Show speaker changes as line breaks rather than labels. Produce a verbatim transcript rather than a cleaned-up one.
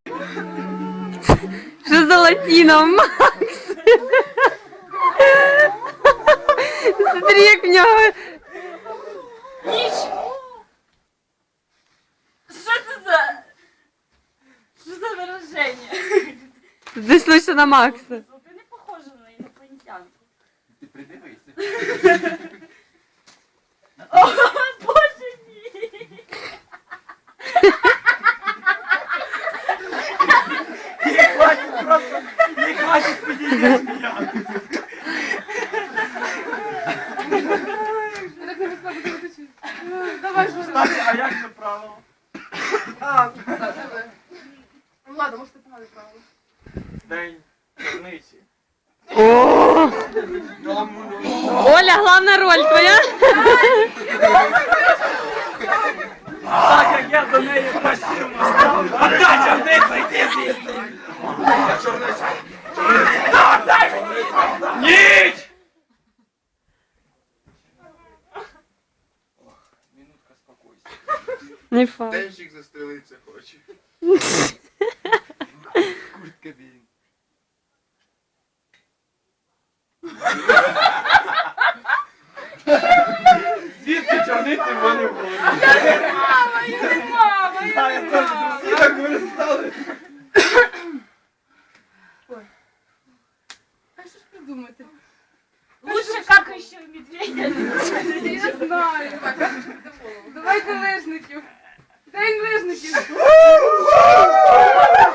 Що за латіна, Макс? Смотри, як в нього.
Ніч! Що це за... Що за вираження?
Дійшлося на Макса.
Ти не похожа на інопланетянку.
Ти придивися.
О, боже мій!
Не хватить просто, не хватить підійти сміяти.
Так не весна буде виточити. Давай, що
Кстати, а як це правило?
А, так, давай. Ну ладно, може ти погане правило.
День черниці.
О! Оля, головна роль твоя?
Так як я до неї постійно став. Отдай чорницю, йди звідси. Чорниця. Чорниця. Отдай мені. Ніч! Минутка спокойствия.
Не факт.
Денщик застрелитися хоче. Куртка бій.
Звідки чорниці в мене в голові?
Мама, я не мама,
А,
я
я
не
теж
мама.
всі так виростали.
А що ж придумати?
Лучше какающего медведя.
Я знаю. Давайте лижників. День лижників.